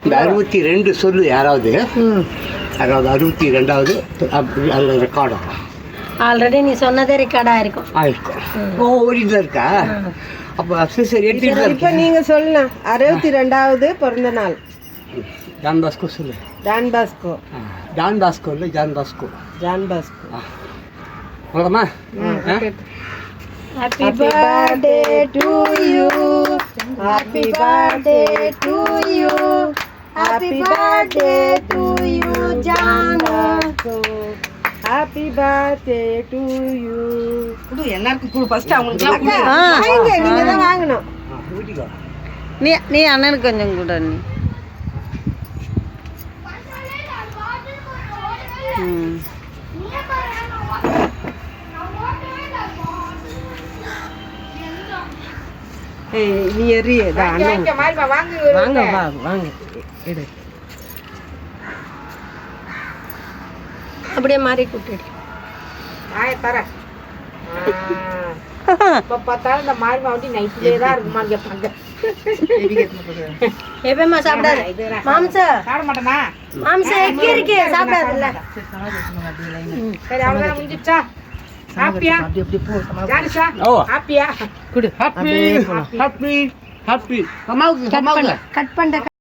இந்த 62 சொல்லு யாராவது, அதாவது 62வது அதில் ரெக்கார்ட் ஆகும். ஆல்ரெடி நீ சொன்னதே ரெக்கார்டாக இருக்கும். ஆயிருக்கும். ஓடிதான் இருக்கா? அப்போ சரி எடுத்துட்டு தான் இப்போ நீங்கள் சொல்லலாம் 62வது பிறந்த நாள். ஜான் பாஸ்கோ சொல்லு. Don Bosco. ஜான் பாஸ்கோ இல்லை, ஜான் பாஸ்கோ. John Bosco. அவ்வளோமா? Happy birthday to you. Happy birthday to you. Happy birthday to you, John Bosco. Happy birthday to you. குடு எல்லாருக்கும் குடு ஃபர்ஸ்ட் அவங்களுக்குலாம் குடு. வாங்க, நீங்க தான் வாங்கணும். நீ அண்ணனுக்கு கொஞ்சம் கூட நீ. ஏய் நீ எறி வாங்க மாதிரி வாங்க வாங்க வாங்க எடு. அப்படியே மாறி கூட்டிடு. ஆய தர. இப்ப பார்த்தாலும் இந்த மாதிரி வந்து நைட்லயே தான் இருக்குமா கேட்பாங்க. எப்பமா சாப்பிடாது மாம்சம் சாப்பிட மாட்டேனா? மாம்சம் எக்கி இருக்கு சாப்பிடாதுல்ல. சரி அவ்வளவுதான் முடிஞ்சிச்சா? ஹாப்பியா? அப்படி போ. ஜானிஷா ஓ ஹாப்பியா? குடு. Happy happy happy. அம்மாவுக்கு கட் பண்ண